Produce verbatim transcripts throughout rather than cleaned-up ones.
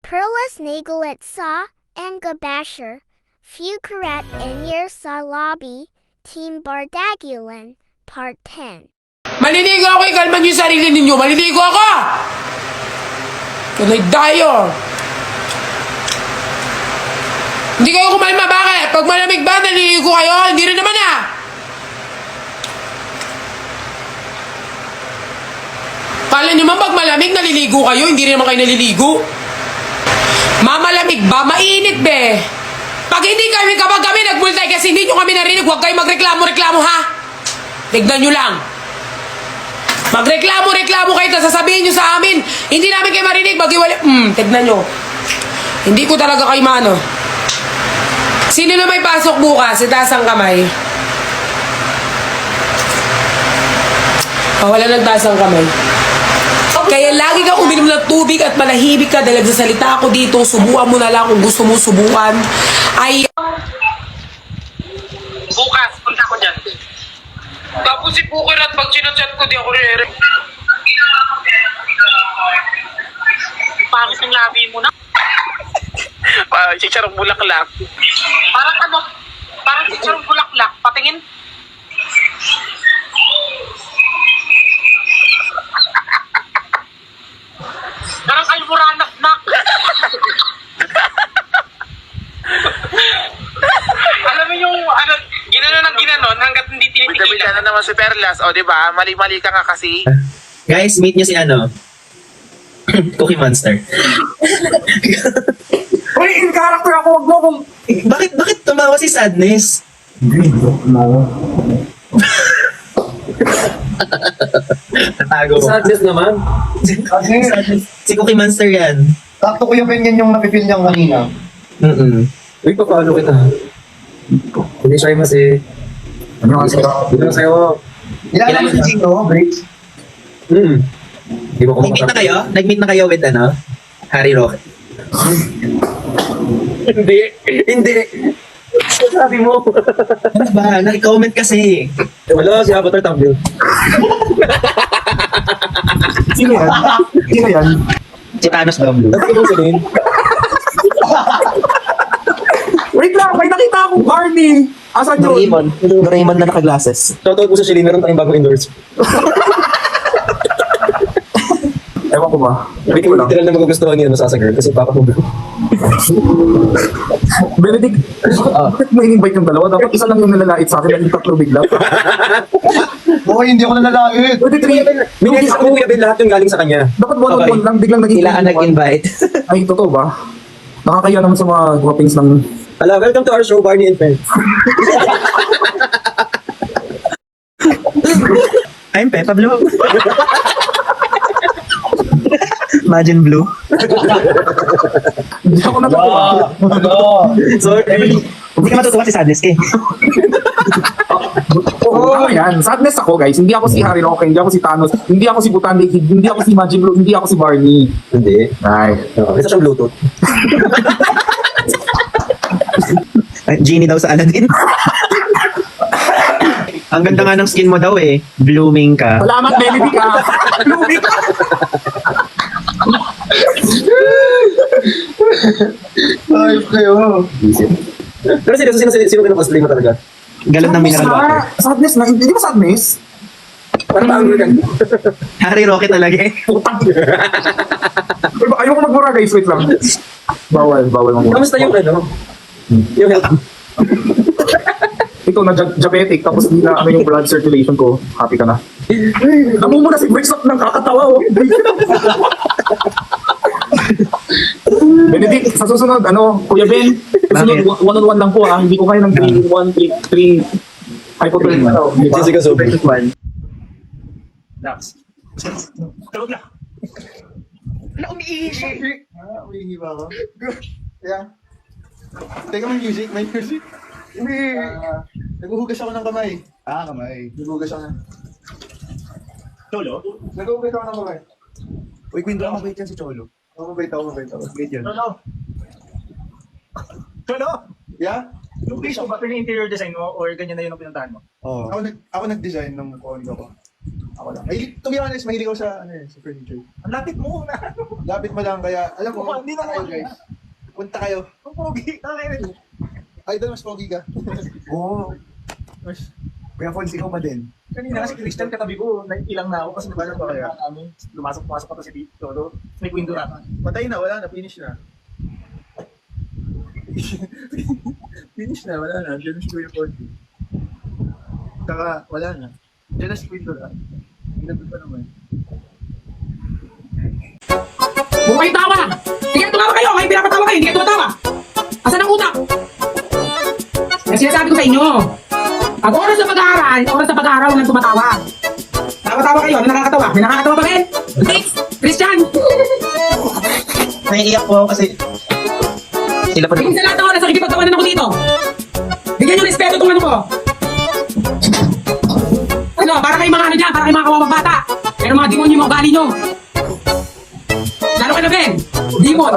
Perlas Nagulit sa and Gabasher, Fukarat and Yer sa Lobby, Team Bardagulan, Part ten. Maliligo ako, ikalman niyo yung sarili ninyo. Maliligo ako! Tunay tayo. Hindi kayo kumalma, bakit? Pag malamig ba, naliligo kayo? Hindi rin naman ah! Kala nyo man pag malamig, naliligo kayo? Hindi rin naman kayo naliligo? Mamalamig ba? Mainit be! Pag hindi kami, kapag kami nagmultay kasi hindi nyo kami narinig, huwag kayo magreklamo-reklamo ha! Tignan nyo lang! Magreklamo-reklamo kayo, tapos sasabihin nyo sa amin, hindi namin kayo marinig, mag-iwali... Hmm, tignan nyo. Hindi ko talaga kayo mano. Sino na may pasok bukas? Itaas ang kamay. Oh, wala nagtaas ang kamay. Kaya lagi kang uminom ng tubig at malahibig ka dahil nagsasalita ako dito. Subukan mo na lang kung gusto mo subukan. Ay... Bukas, punta ko dyan. Tapos si Puker at pag sinachat ko, di ako re-re. Pangit ang labi mo na. Uh, chicharong bulaklak. Parang ano, parang chicharong bulaklak. Patingin. Parang almoranak na. Alam mo yung, ano, ginano ng ginanon hanggat hindi Bida-bida tinitigilan. na naman si Perlas. O, di ba? Mali-mali ka nga kasi. Guys, meet nyo si ano? Cookie Monster. Uy, in character ako, wag mo kung... bakit, bakit tumawa si Sadness? Tatago mo. Sadness naman. Si Cookie Monster yan. Sakto ko yung ganyan yung napipil niyang kanina. Mm-mm. Uy, papalo kita. Hindi siya mas eh. Ano kasi ka? Hindi lang sa'yo. Ilan mo si Gino, Break? Hmm. Hindi mo Nag-meet na kayo? Nag-meet na kayo with ano? Harry Roque. Hindi. Hindi. Sabi mo. Ano ba? Nag-comment kasi. Wala, si Avatar Tumblr. Sino yan? Sino yan? Si Thanos Bamboo. Sabi mo sabihin. Wait lang, may nakita akong Barney. Asan yun? Doraemon. Doraemon na naka-glasses. Shoutout po sa Shelly, meron tayong bagong endorse. Ewan ko ba? Wait, Wait lang. literal na magugustuhan niya masasa girl kasi papa ko. Benedict, bakit mo in-invite yung dalawa? Dapat isa lang yung nalalait sa akin at yung tatlo bigla. Oo, hindi ako nanlalait. Pwede three. Minigay sa Kuya Ben lahat yung galing sa kanya. Dapat one-on-one lang, biglang naging Sila ang one. nag-invite. Ay, totoo ba? Nakakaya naman sa mga guwapings ng... Hello, welcome to our show, Barney and Friends. I'm Peppa Blue. Imagine Blue. Hindi ako natutuwa. Sorry. Hindi ka matutuwa si Sadness eh. Oo, yan. Sadness ako, guys. Hindi ako si Harry Roque, hindi ako si Thanos, hindi ako si Butande Kid, hindi ako si Majin Blue, hindi ako si Barney. Hindi. Ay. Uh, isa siyang Bluetooth. Ay, Genie daw sa Aladdin. Ang ganda nga ng skin mo daw eh. Blooming ka. Salamat, Benedict ka. Blooming ka. Ay, kayo. Pero seryoso, sino, sino, sino kinakosplay mo talaga? Galon ng mineral water. Sadness na, hindi ba sadness? Parang angry ka. Harry Roque talaga eh. Putang. Ayoko magmura, guys. Wait lang. Bawal, bawal magmura. Kamusta yung ano? Yung health? Ikaw na dia- diabetic, tapos hindi na ano yung blood circulation ko. Happy ka na. Namumuna si Bricks ng kakatawa. Oh. Benedict, sa susunod, ano, Kuya Ben, susunod, Bakit? one-on-one lang po ha. Hindi ko kaya ng three in one, three hypothermia. Ano, di ba? Jessica Sobe. One. Ah, umihingi ba ako? Yeah. Teka, may music, may music. Ah, naghuhugas ako ng kamay. Ah, kamay. Naghuhugas ako ng... Cholo? Naghuhugas ako ng kamay. Uy, Queen, baka mabait yan si Cholo. Oo, mabait ako, mabait ako. Mabait yan. Cholo! Cholo! Yeah? Yung piece mo ba, pero yung interior design mo or ganyan na yun ang pinuntahan mo? Oo. Ako, nag, ako nag-design ng condo ko. Ako lang. Mahilig, to be honest, mahilig ako sa, ano eh, sa furniture. Ang lapit mo na. Lapit mo lang, kaya, alam mo, Oo, hindi punta na kayo ako. guys. Punta kayo. Ang pogi. Nakakailan. Ay, doon mas pogi ka. Oo. Mas, Kuya Fons, ikaw pa din. Kanina kasi Christian katabi ko, naiilang na ako kasi nabalang ba kaya kami. Lumasok-pasok pa to si Tito. No? May window na. Patay na, wala na, finish na. Finish na, wala na. Diyan na si Kuya Ponti. Saka, wala na. Diyan na si Queen Dora. Ginagod pa naman. Huwag kayo tawa! Hindi kayo tumawa kayo! Kayo pinapatawa kayo! Hindi kayo tumatawa! Asan ang utak? Kasi sinasabi ko sa inyo, pag oras na pag-aaral, oras na pag-aaral, huwag nang tumatawa. Tawa-tawa kayo, ano nakakatawa? May nakakatawa ba rin? Thanks! Christian! Naiiyak po ako kasi sila pa Hindi sa lahat ng oras, nakikipagtawanan ako dito. Bigyan nyo respeto itong ano ko. Ano, para kayo mga ano dyan, para kayo mga kawawang bata. Pero mga demonyo yung mga ugali nyo. Lalo kayo na Ben, demon.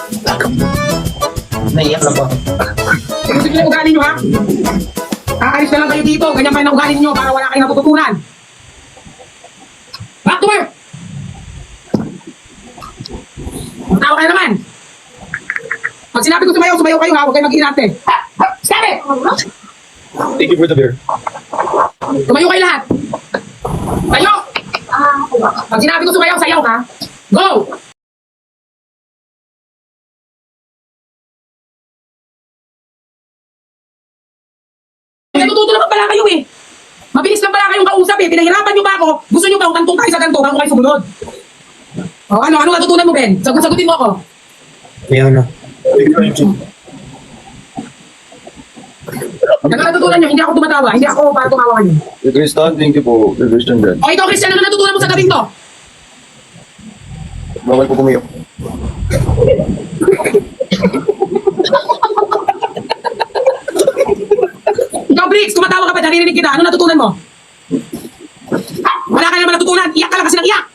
naiiyak lang po ako. Gusto nyo lang ugali nyo ha? Kakalis na lang kayo dito, ganyan pa rin ang ugali nyo para wala kayong natututunan. Back to work! Magtawa kayo naman. Pag sinabi ko sumayaw, sumayaw kayo ha, huwag kayo mag-inate. Stop it! Thank you for the beer. Tumayo kayo lahat. Tayo! Pag sinabi ko sumayaw, sayaw ha. Go! Natututo naman pala kayo eh. Mabilis lang pala kayong kausap eh. Pinahirapan nyo ba ako? Gusto nyo ba utantong tayo sa ganito bago kayo sumunod? O ano, ano natutunan mo Ben? Sagot, sagutin mo ako. Kaya na. Ano natutunan nyo? Hindi ako tumatawa. Hindi ako para tumawa nyo. Christian, thank you po. Christian dyan. O ikaw Christian, ano natutunan mo sa gabing to? Bawal po kumiyok. Ikaw Briggs, tumatawa ka pa, naririnig kita. Ano natutunan mo? Wala ka naman natutunan. Iyak ka lang kasi ng iyak.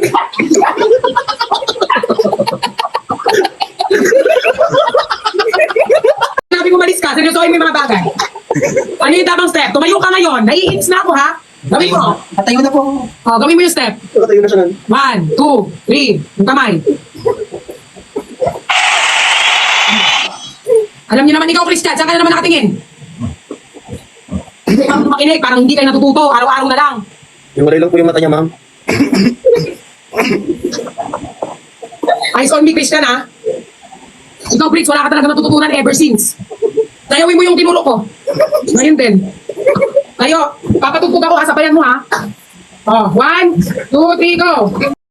Sabi mo malis ka, seryosohin mo yung mga bagay. Ano yung tamang step? Tumayo ka ngayon. Naiinis na ako ha. Gawin mo. Patayo na po. O, gawin mo yung step. Nakatayo na siya nun. One, two, three. Yung kamay. Alam niyo naman ikaw, Christian, saan ka na naman nakatingin? Hindi ka makinig, parang hindi kayo natututo. Araw-araw na lang. Hiwalay lang po yung mata niya, ma'am. Eyes on me, Christian, ha? Ikaw, Briggs, wala ka talaga natututunan ever since. Tayawin mo yung tinuro ko. Ngayon din. Tayo, papatugtog ako, kasabayan mo, ha? Oh, one, two, three, go!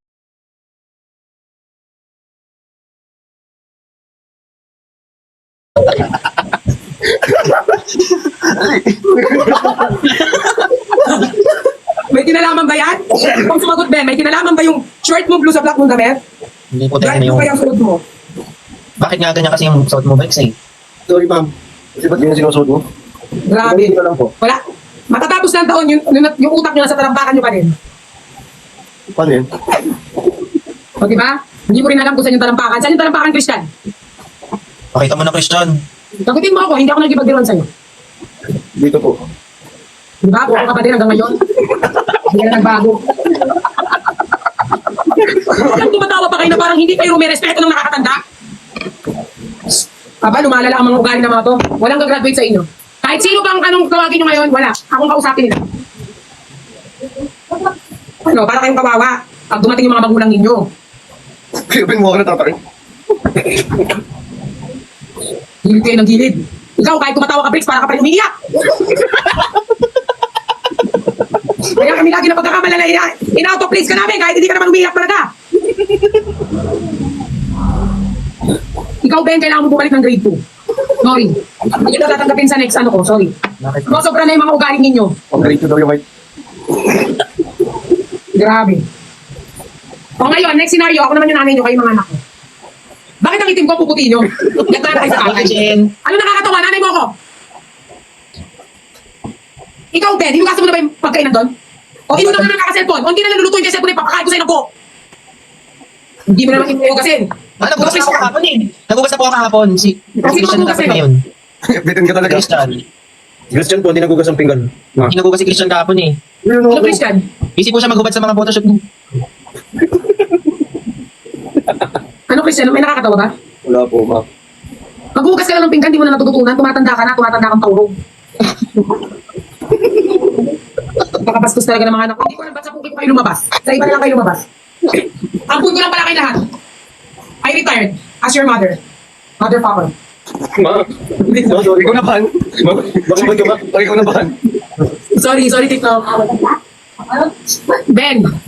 May kinalaman ba yan? Kung sumagot, Ben, may kinalaman ba yung short mo blue sa black mong damit? Hindi po Right tayo na mo yung... ba yung sunod mo? Bakit nga ganyan kasi yung suot mo, Bex eh? Sorry, ma'am. Kasi ba't ganyan sinusuot mo? Grabe. Ganyan ka lang po. Wala. Matatapos ng taon, yung, yung, yung utak nyo nasa talampakan nyo pa rin. Paano yun? O, di ba? Hindi mo rin alam kung saan yung talampakan. Saan yung talampakan, Christian? Pakita mo na, Christian. Sagutin mo ako, hindi ako nagkipagdiruan sa'yo. Dito po. Di ba? Buo ka pa din hanggang ngayon. Hindi ka na nagbago. Alam, tumatawa pa kayo na parang hindi kayo rumirespeto ng nakakatanda. Aba, lumalala ang mga ugali ng mga to. Walang gagraduate sa inyo. Kahit sino bang anong tawagin nyo ngayon, wala. Akong kausapin nila. Ano, para kayong kawawa. Pag dumating yung mga magulang ninyo. Kaya mo ako natatakin. Gilid kayo ng gilid. Ikaw, kahit tumatawa ka, Briggs, para ka pa rin umiiyak. Kaya kami lagi na pagkakamala na ina- in-out of place ka namin kahit hindi ka naman umiiyak talaga. Ikaw, Ben, kailangan mo bumalik ng grade two. Sorry. Hindi kita tatanggapin sa next ano ko, sorry. Bakit? Mga sobra na yung mga ugaling ninyo. Pag rito daw yung white. Grabe. O ngayon, next scenario, ako naman yung nanay nyo, kayo mga anak ko. Bakit ang itim ko puputi nyo? Ganda na kayo sa kakay. Jen. Ano nakakatawa? Nanay mo ako. Ikaw, Ben, hinugasan mo na ba yung pagkainan doon? O inuna ka na kaka-cellphone? O hindi na naluluto yung cellphone, ipapakain ko sa'yo ng buo. Hindi mo naman hinugasin. Ah, nagugas na ako kahapon eh. Nagugas na po ako kahapon. Si Kasi Christian nagugas dapat eh. ngayon. Bitin ka talaga. Christian. Christian po, hindi nagugas ang pinggan. Hindi nagugas si Christian kahapon eh. Ano, Christian? Busy po siya maghubad sa mga photoshoot niya. Ano, Christian? May nakakatawa ba? Wala po, ma. Maghugas ka lang ng pinggan, di mo na natututunan. Tumatanda ka na, tumatanda kang taurog. Nakapastos talaga ng mga anak ko. Hindi ko alam ba't sa puki ko kayo lumabas. Sa iba na lang kayo lumabas. Ang punto lang pala kayo lahat. I retired as your mother. Mother father. Ma, ma, sorry ko naman. Ma, bakit ba ikaw? Bakit ikaw naman? Sorry, sorry, Tito. Ben,